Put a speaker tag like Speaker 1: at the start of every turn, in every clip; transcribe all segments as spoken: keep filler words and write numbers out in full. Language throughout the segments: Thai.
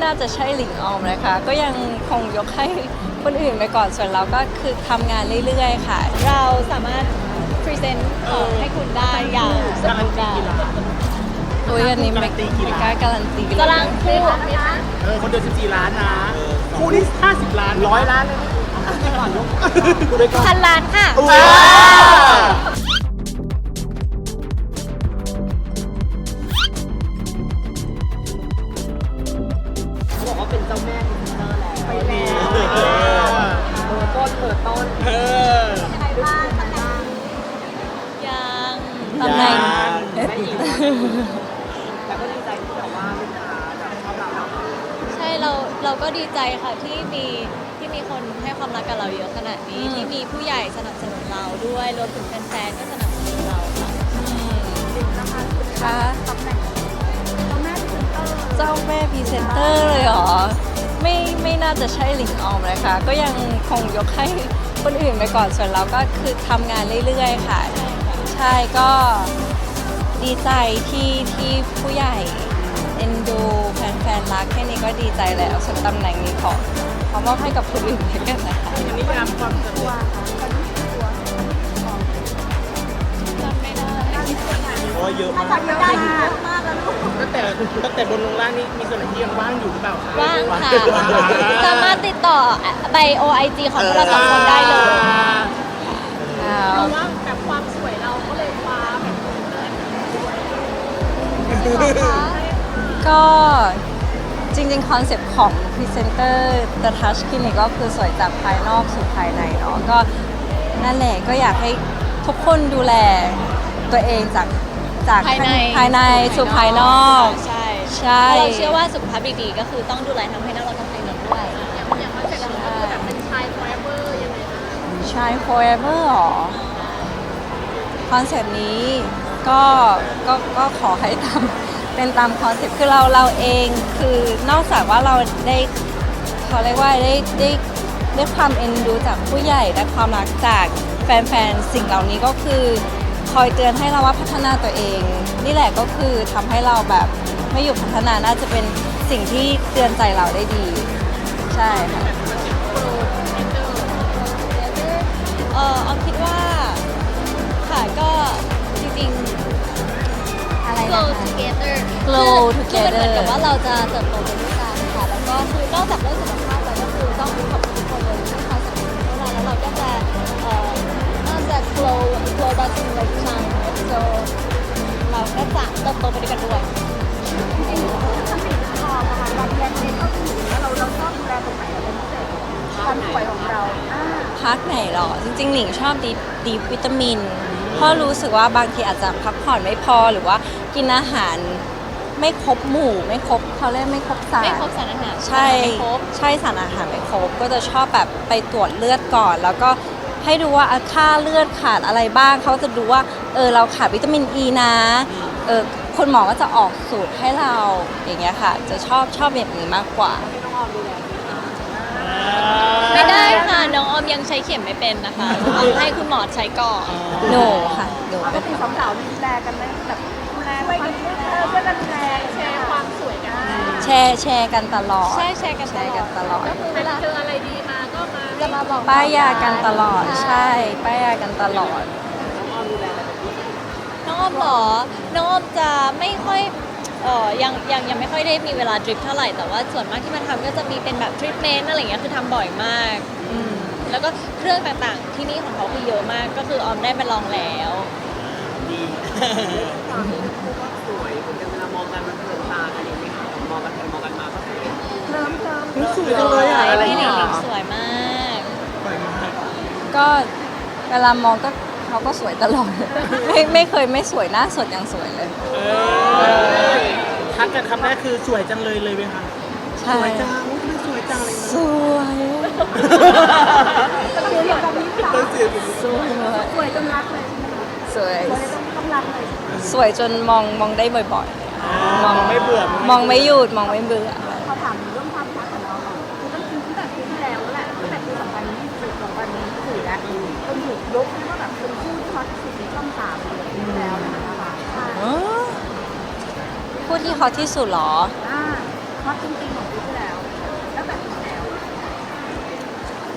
Speaker 1: น่าจะใช่หลิงออมนะคะก็ยังคงยกให้คนอื่นไปก่อนส่วนเราก็คือทำงานเรื่อยๆค่ะ
Speaker 2: เราสามารถพรีเซนต์ของให้คุณได้อย่างสมบูรณ์แบบ
Speaker 1: โอ้ยอันนี้ไม่ไม่กล้าการันตีเลย
Speaker 2: กำลังคู่
Speaker 3: เออคนเดียวสิบสี่ล้านนะคู่นี้ห้าสิบล้านร้อยล้านเลยก่อนลูกกูเลยก่อน
Speaker 2: พันล้านค่ะ
Speaker 3: เขาบอกว่าเป็นเจ้าแม่พรีเซนเตอร์แล้วไปแล้วเปิดต้นเปิดต้นเออ
Speaker 2: ยัง
Speaker 1: ตำแหน่ง
Speaker 3: ไม่อีกแต่ก็ดีใจที่แบบว่าลูกค้าแบบชอบเรา
Speaker 2: ใช่เราเราก็ดีใจค่ะที่มีที่มีคนให้ความรักกับเราเยอะขนาดนี้ที่มีผู้ใหญ่สนับสนุนเราด้วยรวมถึงแฟนๆก็สนับสนุนเราค่ะ
Speaker 1: ค่ะเจ้าแม่พรีเซนเตอร์เลยเหรอไม่ไม่น่าจะใช่หลิงออมเลยค่ะก็ยังคงยกให้คนอื่นไปก่อนส่วนเราก็คือทำงานเรื่อยๆค่ะใช่ก็ดีใจที่ที่ผู้ใหญ่เอ็นดูแฟนๆรักแค่นี้ก็ดีใจแล้วส่วนตำแหน่งนี้ขอขอมอบให้กับคนอื่นแล้วกันนะคะ
Speaker 3: อันนี้ยามความสะดวก
Speaker 2: จำไม่ได้
Speaker 3: โอ้เยอะมากตั้งแต่ตั้งแต่บนลงล่างนี่มีส่วนไหนที่ยังว่างอยู่หรือเปล่าคะ
Speaker 2: ว่างค่ะสามารถติดต่อไบโอไอจีของพวกเราสองคนได้เลย
Speaker 1: เรา
Speaker 2: ว่าแบบความสวยเราก็เลยคว้าแบบ
Speaker 1: ก็จริงๆ คอนเซปต์ของพรีเซนเตอร์ The Touch Clinic ก็คือสวยจากภายนอกสู่ภายในเนาะก็นั่นแหละก็อยากให้ทุกคนดูแลตัวเองจากจาก
Speaker 2: ภายใน
Speaker 1: ภายในสู่ภายนอก
Speaker 2: ใช่
Speaker 1: ใช่
Speaker 2: เราเชื่อว่าสุขภาพดีๆก็คือต้องดูแลทั้งภายนอกและภายในด้วยอย่างอย่างว่าเสร็จแล้วก็คือแบบเป็นชาย forever ยังไงคะ
Speaker 1: ใช่ forever หรอคอนเซปต์นี้ก็ก็ก็ขอให้ทำเป็นตามคอนเซปต์คือเราเราเองคือนอกจากว่าเราได้เขาเรียกว่าได้ได้ได้ความเอ็นดูจากผู้ใหญ่ได้ความรักจากแฟนๆสิ่งเหล่านี้ก็คือคอยเตือนให้เราว่าพัฒนาตัวเอง นี่แหละก็คือทำให้เราแบบไม่หยุดพัฒนาน่าจะเป็นสิ่งที่เตือนใจเราได้ดี ใช่ค่ะ
Speaker 2: เอ่อออมคิดว่าค่ะก็จริงๆ
Speaker 1: อะไรนะ
Speaker 2: grow
Speaker 1: คะ
Speaker 2: together
Speaker 1: Grow
Speaker 2: คือคือมันเหมือน
Speaker 1: together
Speaker 2: กับว่าเราจะเติบโตไปด้วยกันค่ะแล้วก็คือนอกจากเรื่องสุขภาพแล้วก็คือต้องขอบคุณทุกคนเลยที่คอยสนับสนุนพวกเราแล้วเราก็จะเอ่อน่าจะ grow grow เราจึงเลยชัน so เราก็จะเติบโตไปด้วยกันด้วย
Speaker 1: พักไหนหรอ จริงๆ หลิงชอบดีดีวิตามิน เพราะรู้สึกว่าบางทีอาจจะพักผ่อนไม่พอหรือว่ากินอาหารไม่ครบหมู่ ไม่ครบเขาเรียกไม่ครบสาร
Speaker 2: ไม่ครบสารอาหาร
Speaker 1: ใช่
Speaker 2: ไม่ครบ
Speaker 1: ใช่สารอาหารไม่ครบก็จะชอบแบบไปตรวจเลือดก่อน แล้วก็ให้ดูว่าค่าเลือดขาดอะไรบ้างเขาจะดูว่าเออเราขาดวิตามินอีนะเออคุณหมอก็จะออกสูตรให้เราอย่างเงี้ยค่ะ จะชอบชอบแบบนี้มากกว่า
Speaker 2: ไม่ได้ค่ะ น้องออมยังใช้เข็มไม่เป็นนะคะต้องให้คุณหมอใช้ก่อน
Speaker 1: หนูค่ะหนู
Speaker 4: ปกติสองสาวดูแลกันไหมแบบดูแลช่วยกันช่วยกันดูแลแชร์ความสวยกัน
Speaker 1: แชร์แชร์กันตลอด
Speaker 2: ใช่แชร์กัน
Speaker 1: แชร์กันตลอด
Speaker 2: ก็คือเวลาเจออะไรดีมาก็มาจะมาบอก
Speaker 1: ป้ายยากันตลอดใช่ป้ายยากันตลอด
Speaker 2: น้องออมเหรอ น้องออมจะไม่ค่อยเออยังยังยังไม่ค่อยได้มีเวลาดริปเท่าไหร่แต่ว่าส่วนมากที่มาทำก็จะมีเป็นแบบทรีทเมนต์อะไรอย่างเงี้ยคือทำบ่อยมากอืมแล้วก็เครื่องต่างๆที่นี่ของเขาคือเยอะมากก็คือออมได้ไปลองแล้ว
Speaker 3: ดีความที่ทั้งคู่ก็สวยเหมือนกันเวลามองกันมันเพลินตากันอย่างนี้ค่ะมองกันไปมองกันมาก็สวย
Speaker 4: เริ่มเริ่ม
Speaker 3: สวยจังเลยอะอะไร
Speaker 2: พี่ห
Speaker 3: เนี่
Speaker 2: นิ
Speaker 3: ย
Speaker 2: งสวยมาก
Speaker 3: สวยมาก
Speaker 1: ก็เวลามองก็เขาก็สวยตลอด ไม่ไม่เคยไม่สวยหน้าสดยังสวยเลย
Speaker 3: เออทักกันคำแรกคือสวยจังเลยเลยไหมคะ
Speaker 1: ใช่
Speaker 3: สวยจังอุ๊ยทำไมสวยจังเลย
Speaker 1: สวย
Speaker 4: ต้องเรียนแบบนี้ค่ะ
Speaker 3: ต้องเสียง
Speaker 1: สวย
Speaker 4: สวยจนรักเลยใช่ไหมคะ
Speaker 1: สวย
Speaker 4: สวยต้องต้องรักเลย
Speaker 1: สวยจนมองมองได้บ่อย
Speaker 3: มองไม่เบื่อ
Speaker 1: ๆ มองไม่หยุดมองไม่เบื่อ
Speaker 4: พอถามเรื่องความรักของเราค่ะคือตั้งตั้งแต่ปีที่แล้วแหละตั้งแต่ปีสองพันยี่สิบ สองพันยี่สิบสี่แล้วจนถูกยกให้ว่าแบบเป็นคู่ที่ฮอตที่สุดในช่องสามเลยปีที่แล้วนะคะใช่
Speaker 1: พูดที่ฮอตที่สุดเหรอ
Speaker 4: อ่าฮอตจริงๆของปีที่แล้ว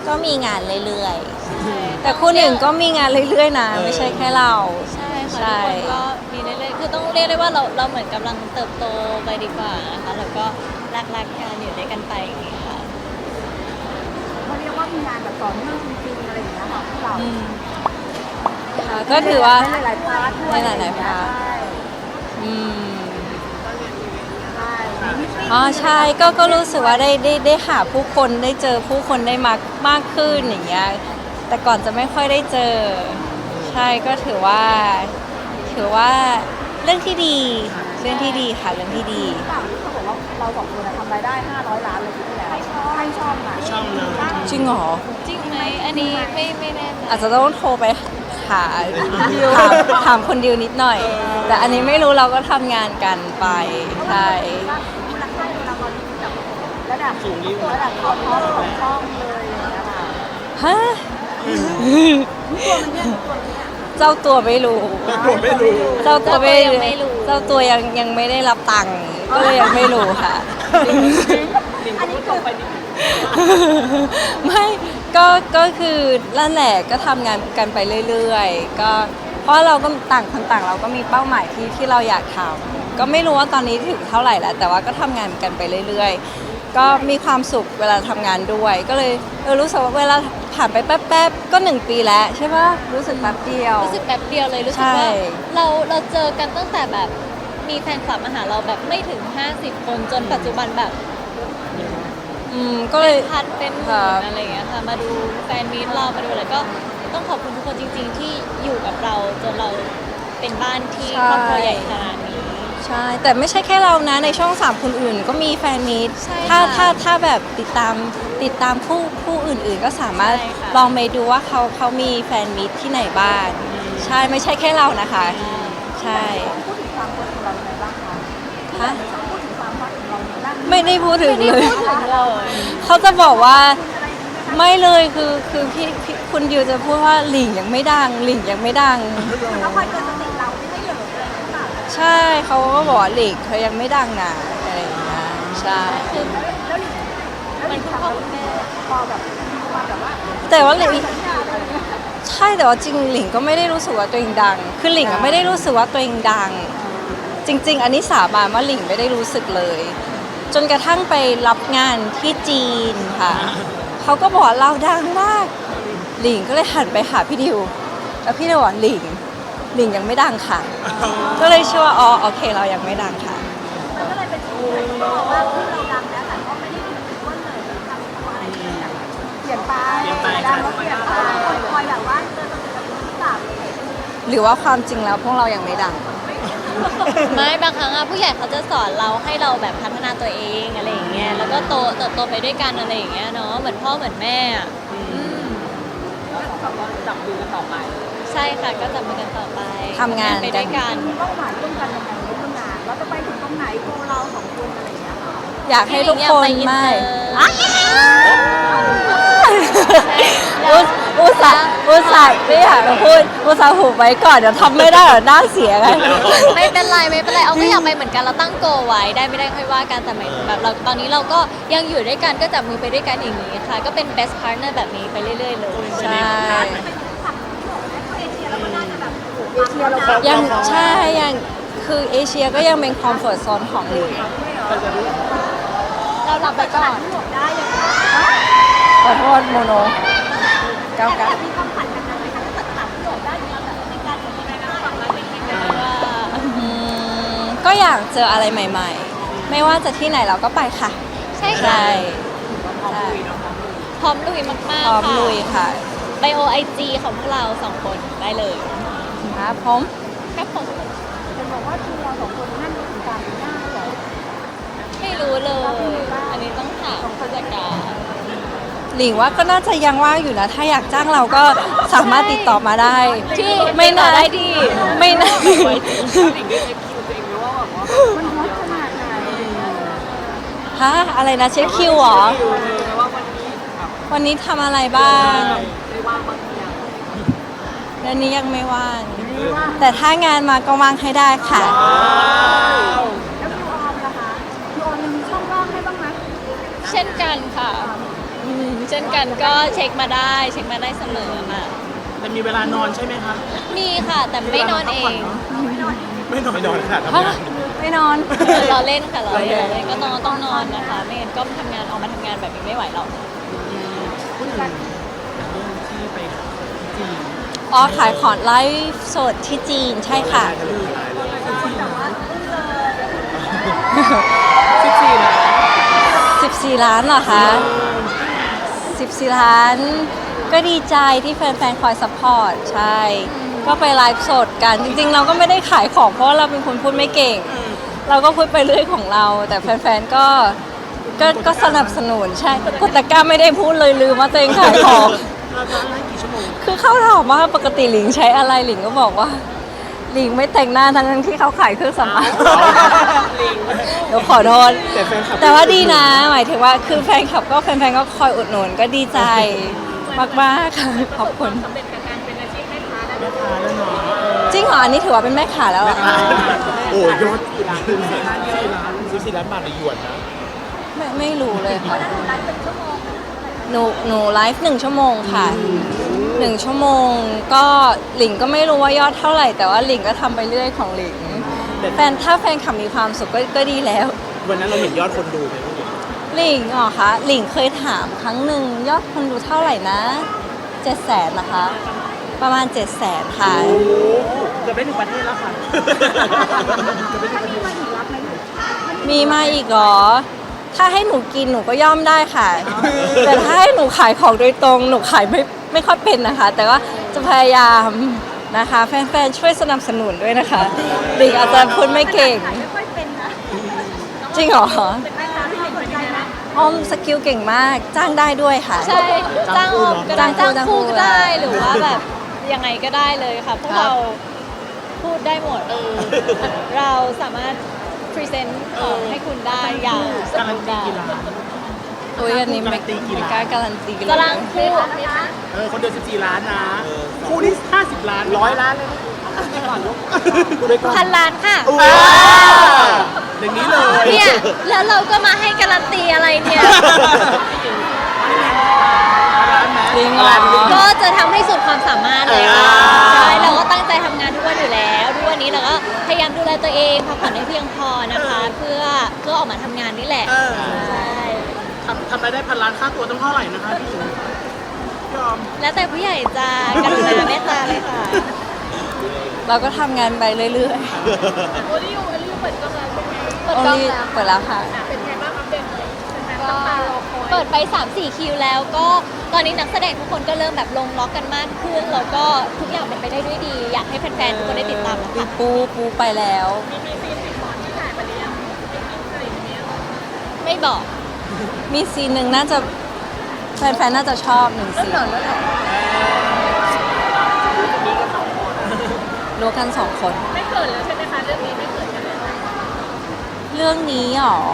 Speaker 1: ก็มีงานเรื่อยๆ แต่คู่หนึ่งก็มีงานเรื่อยๆนะ ไม่ใช่แค่เรา
Speaker 2: ใช่ค่ะ
Speaker 1: ใช่
Speaker 2: ทุกคนก็มีเรื่อยๆคือต้องเรียกได้ว่าเราเราเหมือนกำลังเติบโตไปดีกว่านะคะแล้วก็รักๆกันอยู่ด้วยกันไปอย่างนี้ค่ะ
Speaker 4: เขาเรียกว่ามีงานแบบต่อเนื่องจริงๆอะไรอย่างเงี้ยค่ะพวกเรา
Speaker 1: อืมค่ะก็ถือว่า
Speaker 4: ในหลายๆพาร์ทด้วย
Speaker 1: ในหลายๆพาร์ท
Speaker 4: ใช่
Speaker 1: อืม
Speaker 4: ใช่มีมิตติ้ง
Speaker 1: อ๋อใช่ก็ก็รู้สึกว่าได้ได้ได้หาผู้คนได้เจอผู้คนได้มากมากขึ้นอย่างเงี้ยแต่ก่อนจะไม่ค่อยได้เจอ ใช่ก็ถือว่า ถือว่าเรื่องที่ดีเรื่องที่ดีค่ะเรื่องที่ดี
Speaker 4: หรือเปล่าที่เขาบอกว่าเราสองคนอะทำรายได้ห้าร้อยล้านเลยปีที่แล้วใครชอบใครชอบอ่ะ
Speaker 3: ช่องเลย
Speaker 1: จริงเหรอ
Speaker 2: จริงไหมอันนี้ไม่ไม่แน่ใจ
Speaker 1: อาจจะต้องโทรไปหาถามถามคนดิวนิดหน่อย แต่อันนี้ไม่รู้เราก็ทำงานกันไปใช่
Speaker 4: มูลค่าเราตอนนี้แบบระดับสูงระดับท็อปท็อปของช่องเลยอย่างเงี้ยค่ะ
Speaker 1: ฮะ
Speaker 4: ตัวมันเนี่ยตัวมันเนี่ย
Speaker 1: เจ้าตัวไม่รู้
Speaker 3: ผมไม่รู้
Speaker 1: เจ้าตัวไม่
Speaker 2: เจ้าตัวยังไม่รู้
Speaker 1: เจ้าตัวยังยังไม่ได้รับตังค์ก็เลยยังไม่รู้ค่ะ
Speaker 4: อันนี้คือ
Speaker 1: ไม่ก็ก็คือนั่นแหละก็ทำงานกันไปเรื่อยๆก็เพราะเราก็ต่างคนต่างเราก็มีเป้าหมายที่ที่เราอยากทำก็ไม่รู้ว่าตอนนี้ถึงเท่าไหร่แล้ว แต่ว่าก็ทำงานกันไปเรื่อยๆ ก็มีความสุขเวลาทำงานด้วย ก็เลยเออรู้สึกว่าเวลาผ่านไปแป๊บๆก็หนึ่งปีแล้วใช่ปะรู้สึกแป๊บเดียว
Speaker 2: รู้สึกแบบเดียวเลยรู้สึก
Speaker 1: ใช่
Speaker 2: ว่าเราเราเจอกันตั้งแต่แบบมีแฟนคลับมาหาเราแบบไม่ถึง ห้าสิบ คนจนปัจจุบันแบบ
Speaker 1: อืมก็เลย
Speaker 2: พันเป็นห
Speaker 1: ครั
Speaker 2: มื่
Speaker 1: บ
Speaker 2: นอะไรอย่างเงี้ยค่ะมาดูแฟนมีตเรามาดูอะไรก็ต้องขอบคุณทุกคนจริง ๆ ที่อยู่กับเราจนเราเป็นบ้านที่ครอบครัวใหญ่ขนาดนี้
Speaker 1: ใช่ แต่ไม่ใช่แค่เรานะในช่องสามคนอื่นก็มีแฟนมีต
Speaker 2: ใช่
Speaker 1: ถ้า
Speaker 2: ค่ะ
Speaker 1: ถ้าถ้าแบบติดตามติดตามผู้ผู้อื่นๆ ก็สามารถ
Speaker 2: ใช่ค่ะ
Speaker 1: ลองไปดูว่าเขาเขามีแฟนมีตที่ไหนบ้างใช่ไม่ใช่แค่เรานะคะ ใช่
Speaker 4: พูดถึงความคนของเรายังไงบ้างคะ
Speaker 1: ฮะ
Speaker 4: พูดถึงความฮอตของเราในด้าน
Speaker 1: ไม่ได้พูดถึง
Speaker 2: ไม่
Speaker 1: เล
Speaker 2: ได้
Speaker 1: ย
Speaker 2: พูดถึงเลย
Speaker 1: เขาจะบอกว่าไม่เลยคือคือพี่พี่คุณดิวจะพูดว่าหลิงยังไม่ดังหลิงยังไม่ดัง
Speaker 4: เขาคอยเตือนสติเราไม่ให้เหลิงเลยหรือเปล่า
Speaker 1: ใช่เขาก็บอกว่าหลิงเขายังไม่ดังนะอะไรอย่างเงี้ยใช่
Speaker 2: คือ
Speaker 4: แล้วหลิงแล้วหลิงทำแบบพอแบบมาแบบว่า
Speaker 1: แต่ว่าหลิง
Speaker 4: สัญญาอะไรอย่างเงี้ย
Speaker 1: ใช่แต่ว่าจริงหลิงก็ไม่ได้รู้สึกว่าตัวเองดัง คือหลิงอะไม่ได้รู้สึกว่าตัวเองดัง จริง ๆ อันนี้สาบานว่าหลิงไม่ได้รู้สึกเลย จนกระทั่งไปรับงานที่จีนค่ะเขาก็บอกว่าเราดังมากหลิงก็เลยหันไปหาพี่ดิวแล้วพี่ดิวบอกหลิงหลิงยังไม่ดังค่ะ ก็เลยเชื่อว่าอ๋อโอเคเรายังไม่ดังค่ะ
Speaker 4: มันก็เลยเป็นที่ที่บอกว่าที่เราดังแล้วแต่ก็ไม่ได้ถึงต้นเลยทำตัวอะไรที่แบบเปลี่ยนไปดังแล้วเปลี่ยนไปคนคอยแบบว่าเตือนสติเราหรือเปล่า
Speaker 1: หรือว่าความจริงแล้วพวกเรายังไม่ดัง
Speaker 2: ไม่บางครั้งอะผู้ใหญ่เขาจะสอนเราให้เราแบบพัฒนาตัวเองอะไรอย่างเงี้ยแล้วก็โตเติบโตไปด้วยกันอะไรอย่างเงี้ยเนาะเหมือนพ่อเหมือนแม่อะอืม
Speaker 3: ก็จับมือกันต่อไป
Speaker 2: ใช่ค่ะก็จับมือกันต่อไป
Speaker 1: ทำงาน
Speaker 2: ไปด้วยกัน
Speaker 4: มีเป้าหมายร่วมกันยังไงในเรื่องงานเราจะไปถึงตรงไหนโกเราสองคนอะไรอย่างเงี้ยค่ะ
Speaker 1: อยากให้ทุกคน
Speaker 2: พี่หลิงอยากไปอิน
Speaker 1: ไม่
Speaker 2: เตอร์
Speaker 1: อุตอุตส่าห์อุตส่าห์ไม่อยากจะพูดอุตส่าห์หูไว้ก่อนเดี๋ยวทำไม่ได้เดี๋ยวหน้าเสียไง
Speaker 2: ไม่เป็นไรไม่เป็นไรเอาก็อยากไปเหมือนกันเราตั้งโกไว้ได้ไม่ได้ค่อยว่ากันแต่หมายถึงแบบเราตอนนี้เราก็ยังอยู่ด้วยกันก็จับมือไปด้วยกันอย่างนี้ค่ะ ก็เป็น best partner แบบนี้ไปเรื่อยๆเลย
Speaker 1: ใช่
Speaker 4: เอเชียเราก็
Speaker 1: ยังใช่ยังคือเอเชียก็ยังเป็นคอมฟอร์ z โซนของหลิง
Speaker 2: เราหลับไปก่อน
Speaker 4: ได้เลย
Speaker 1: ขอโทษโมโนเก้า
Speaker 4: แต่
Speaker 1: เก้า
Speaker 4: มีความฝันแบบนั้นไหมคะถ้าเกิดตัดโจทย์ได้เราแบบในการทำงานฝันไว้เป็นยังไง
Speaker 2: ว่า
Speaker 1: อืมก็อยากเจออะไรใหม่ ๆ ไม่ว่าจะที่ไหนเราก็ไปค่ะ
Speaker 2: ใช่
Speaker 1: ใช่
Speaker 2: ค่ะ
Speaker 1: ใช่
Speaker 2: พร้อมลุยมาก
Speaker 1: พร้อม
Speaker 2: ๆค่ะ
Speaker 1: ลุยค่ะ
Speaker 2: ไบโอไอจีของพวกเราสองคนได้เลย
Speaker 1: ครับผม
Speaker 2: ครับผม
Speaker 4: เป็นบอกว่าทีเราสองคนนั่นถึงการหน้าเหรอ
Speaker 2: ไม่รู้เลย อันนี้ต้องถามผู้จัดการ
Speaker 1: หลิงว่าก็น่าจะยังว่างอยู่นะ ถ้าอยากจ้างเราก็สามารถติดต่อมาได้
Speaker 2: ที่
Speaker 1: ไม่
Speaker 2: ต่อ
Speaker 1: นะ
Speaker 2: ได้ดี
Speaker 1: ไม่นะ
Speaker 3: หลิงได้เช็คคิวตัวเองไหมว่าแบบว่า
Speaker 4: มันฮอตขนาดไหน
Speaker 1: ฮะอะไรนะเช็คคิวเหรอ
Speaker 3: คิวเลยว่าวันนี้แบบ
Speaker 1: วันนี้ทำอะไรบ้าง
Speaker 3: ได้ว่างบางทีอะ
Speaker 1: เดือนนี้ยังไม่ว่าง แต่ถ้างานมาก็ว่างให้ได้ค่ะ
Speaker 3: ว้าว
Speaker 4: แล้วคิวออมล่ะคะคิวออมยังมีช่องว่างให้บ้างไหม
Speaker 2: เช่นกันค่ะ
Speaker 1: อืม
Speaker 2: เช่นกันก็เช็คมาได้เช็คมาได้เสมอค่ะ
Speaker 5: แต่มีเวลานอนใช่ไหมคะ
Speaker 2: มีค่ะแต่ไม่นอนเอง
Speaker 5: ไม่นอนไม่นอนค่ะทำ
Speaker 1: ฮะ
Speaker 5: งาน
Speaker 1: ไม่นอน
Speaker 2: รอเล่นค่ะรอเล่นรอเล่นก็นอนต้องนอนนะคะ ไม่งั้นก็ทำงานออกมาทำงานแบบนี้ไม่ไหวหรอก
Speaker 5: พูดถึงเรื่องที่ไปจีน
Speaker 1: อ๋อขายของไลฟ์สดที่จีนใช่ค่ะ
Speaker 5: สิบสี่นะ
Speaker 1: สิบสี่ล้านเหรอคะสิบสี่ล้าน ก็ดีใจที่แฟนๆ คอยซัพพอร์ต ใช่ ก็ไปไลฟ์สดกัน จริงๆ เราก็ไม่ได้ขายของเพราะว่าเราเป็นคนพูดไม่เก่ง เราก็พูดไปเรื่อยของเรา แต่แฟนๆ ก็ ก็ ก็สนับสนุน ใช่กดตะกร้าไม่ได้พูดเลยลืมว่าตัวเองขายของ
Speaker 5: เราจะไล่กี่ชั่วโมง
Speaker 1: คือเขาถามว่าปกติหลิงใช้อะไรหลิงก็บอกว่า หลิงไม่แต่งหน้าทั้งๆที่เขาขายเครื่องสำอางเดี๋ยวขอโทษ
Speaker 5: แต่แฟนคลับ
Speaker 1: แต่ว่าดีนะ หมายถึงว่าคือแฟนคลับก็แฟนๆก็คอยอุดหนุนก็ดีใจมากๆค่ะขอบคุณ
Speaker 4: สำเร็จกับการเป็นอาชีพแม่ค้าได้
Speaker 5: แม่ค้าแล้วเนาะ
Speaker 1: จริงเหรออันนี้ถือว่าเป็นแม่ขาแล้วเหรอ
Speaker 5: โอ้ยยอดสี่ล้านสี่ล้านสี่ล้านบาทในหยวนนะ
Speaker 1: ไม่ไม่รู้เลยค่ะ
Speaker 4: ไลฟ์เป็นชั่วโมง
Speaker 1: หนูหนูไลฟ์หนึ่งชั่วโมงค่ะหนึ่งชั่วโมงก็หลิงก็ไม่รู้ว่ายอดเท่าไหร่ แต่ว่าหลิงก็ทำไปเรื่อยของหลิงแฟนถ้าแฟนคลับมีความสุขก็ก็ดีแล้ว
Speaker 5: วันนั้นเราเห็นยอดคนดูไหมพี่
Speaker 1: หลิงเหรอคะหลิงเคยถามครั้งหนึ่งยอดคนดูเท่าไหร่นะเจ็ดแสนนะคะ ประมาณเจ็ดแสนค่ะ
Speaker 5: โอ้เกือบได้ถึงประเทศแล้วค่ะเกือบได้ถึงประเทศ
Speaker 4: มาอีกรับไหม
Speaker 1: มีมาอีกเหรอ ถ้าให้หนูกินหนูก็ย่อมได้ค่ะ แต่ถ้าให้หนูขายของโดยตรงหนูขายไม่ไม่ค่อยเป็นนะคะ แต่ว่าจะพยายามนะคะ แฟนๆช่วยสนับสนุนด้วยนะคะหลิงอาจจะพูดไม่เก่ง
Speaker 4: ไม่ค่อยเป็นนะ
Speaker 1: จริงเหรอ
Speaker 4: เป็นแม่ค้าที่เก่งใจนะ
Speaker 1: อ้อมสกิลเก่งมากจ้างได้ด้วยค่ะ
Speaker 2: ใช่จ้างออมก็ได้
Speaker 1: จ้า
Speaker 2: จ้าง ง
Speaker 1: คู่
Speaker 2: คู่ก็
Speaker 1: จ้างคู่
Speaker 2: ได้หรือว่าแบบยังไงก็ได้เลยค่ะพวก
Speaker 1: ครับ
Speaker 2: เราพูดได้หมด เราสามารถพรีเซนต์ของให้คุณได้อย่างส
Speaker 5: การั
Speaker 2: ม
Speaker 5: น
Speaker 2: บูรณ์
Speaker 5: ตี
Speaker 2: แบบ
Speaker 5: กี่ล้าน
Speaker 1: อุ้ยอันนี้ไม่
Speaker 5: การันตีกี่
Speaker 1: ไม่
Speaker 5: ล้าน
Speaker 1: กล้าการันตีเลย
Speaker 2: กำลังคู่
Speaker 5: เออคนเดือนสิบสี่ล้านนะ คู่นี้ห้าสิบล้านร้อยล้านเลยก่อนยกคู่ด้วยก่อน
Speaker 2: พันล้านค่ะ
Speaker 5: ว้าอย่างนี้เลย
Speaker 2: เนี่ย แล้วเราก็มาให้การันตีอะไรเนี่ย
Speaker 1: จริงเหรอ
Speaker 2: ก็จะทำให้สุดความสามารถเลยค่ะ
Speaker 5: อ่า
Speaker 2: ใช่เราก็ตั้งใจทำงานทุกวันอยู่แล้วทุกวันนี้เราก็พยายามดูแลตัวเองพักผ่อนให้เพียงพอนะคะ เพื่อเพื่อออกมาทำงานนี่แหละ
Speaker 5: เออ
Speaker 2: ใช่
Speaker 5: ทำทำรายได้พันล้านค่าตัวต้องเท่าไหร่นะคะพี่หญิงยอม
Speaker 2: แล้วแต่ผู้ใหญ่จะกรุณาเมตตาเลยค่ะ
Speaker 1: เราก็ทำงานไปเรื่อย
Speaker 4: โอริโอโอริโอเปิดกล้องแล้วใช่ไหม
Speaker 1: ๆ
Speaker 2: เปิดกล้อง
Speaker 1: โอ้ย
Speaker 2: แล้ว
Speaker 1: เปิดแล้วค่ะ
Speaker 4: เป็นไงบ้างอัปเดตหน่อยแฟนๆ
Speaker 2: ก็
Speaker 4: ตั้งตารอคอย
Speaker 2: เปิดไป สามสี่ คิวแล้วก็ตอนนี้นักแสดงทุกคนก็เริ่มแบบลงล็อกกันมากขึ้นแล้วก็ทุกอย่างเป็นไปได้ด้วยดี อยากให้แฟนๆทุกคนได้ติดตามนะคะ
Speaker 1: ปูปูไปแล้ว
Speaker 4: มีมีซีนติดหมอนที่ถ่ายมาหรือยังมีคลิปอะไรอย่างเงี้ย
Speaker 2: ไม่บอก
Speaker 1: มีซีนหนึ่งน่าจะแฟนๆ น่าจะชอบหนึ่งซีนรู้กันสองคน
Speaker 4: ไม่เกิดแล้วใช่ไหมคะเรื่องนี้ไม่เกิดกันแล้ว
Speaker 1: เรื่องนี้หรอ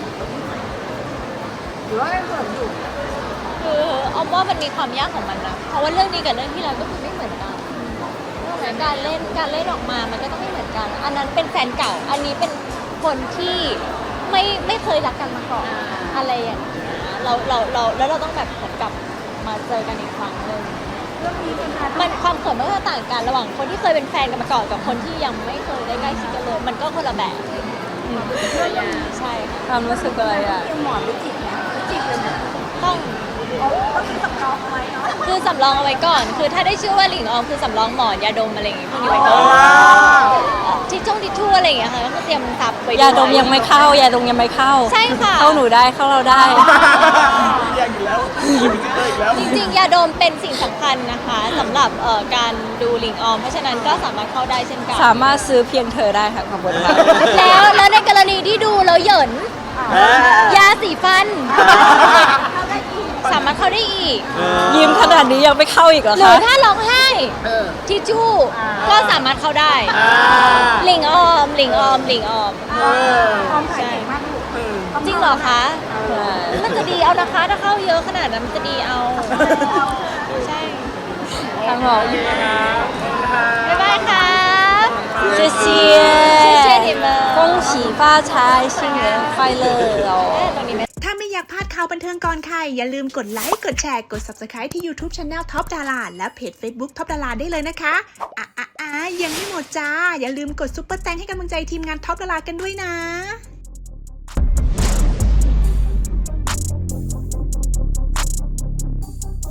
Speaker 4: หรือว่าไม่เกิดอยู่
Speaker 2: คือออมว่ามันมีความยากของมันนะ เพราะว่าเรื่องนี้กับเรื่องที่แล้วก็คือไม่เหมือนกันเรื่องนั้นการเล่นการเล่นออกมามันก็ต้องไม่เหมือนกัน อันนั้นเป็นแฟนเก่า อันนี้เป็นคนที่ไม่ไม่เคยรักกันมาก่อนอะไรอย่างเงี้ยเราเราเราแล้วเราต้องแบบเหมือนกับมาเจอกันอีกครั้งหนึ่ง
Speaker 4: เรื่องนี้เป็นการ
Speaker 2: มันความเขินมันก็ต่างกันระหว่างคนที่เคยเป็นแฟนกันมาก่อนกับคนที่ยังไม่เคยได้ใกล้ชิดกันเลย มันก็คนละแบบใช่ค่ะ
Speaker 1: ความรู้สึกอะไรอ่ะ
Speaker 4: หมอนรู้จิกนะรู้จิกเลยนะ
Speaker 2: ต้อง
Speaker 4: ก็คือสำรองเอาไว้เนาะ
Speaker 2: คือสำรองเอาไว้ก่อน คือถ้าได้ชื่อว่าหลิงออมคือสำรองหมอนยาดมอะไรอย่างงี้พวกนี้ไว้ก่อนทิชชงทิชชู่อะไรอย่างเงี้ยค่ะก็คือเตรียมซับไว้
Speaker 1: ยาดมยังไม่เข้ายาดมยังไม่เข้า
Speaker 2: ใช่ค่ะ
Speaker 1: เข้าหนูได้เข้าเราได้
Speaker 5: อยากอีกแล้วอีกแล้ว
Speaker 2: จริงๆ ยาดมเป็นสิ่งสำคัญนะคะสำหรับเอ่อการดูหลิงออม เพราะฉะนั้นก็สามารถเข้าได้เช่นกัน
Speaker 1: สามารถซื้อเพียงเธอได้ค่ะขอบคุณค่ะ
Speaker 2: แล้วแล้วในกรณีที่ดูแล้วเหยินยาสีฟัน สามารถเข้าได้อีก
Speaker 1: ยิ้มขนาดนี้ยังไม่เข้าอีกเหรอ
Speaker 2: หรือ
Speaker 1: คะ
Speaker 2: ถ้าร้องไห้ทิชชู่ก็สามารถเข้าได้ หลิงออม หลิงออม หลิงออม
Speaker 4: พร้อมถ่ายเก่งมากลูก
Speaker 2: จริงเหรอคะ
Speaker 1: ใช่
Speaker 2: มันจะดีเอานะคะ ถ้าเข้าเยอะขนาดนั้นมันจะดีเอา ใช่
Speaker 1: ทางบอก
Speaker 2: บ๊ายบายค่ะ
Speaker 1: 谢谢
Speaker 2: 谢谢你们
Speaker 1: 恭喜发财新年快乐哦
Speaker 2: ตรงนี้ไหม
Speaker 6: ถ้าไม่อยากพลาดข่าวบันเทิงก่อนใครอย่าลืมกดไลค์ กดแชร์ กด ซับสไครบ์ ที่ YouTube Channel Top Dara และเพจ Facebook Top Dara ได้เลยนะคะอ่ะอ่ะอ่ะยังไม่หมดจ้า อย่าลืมกดซุปเปอร์แตงให้กำลังใจทีมงาน Top Dara กันด้วยนะ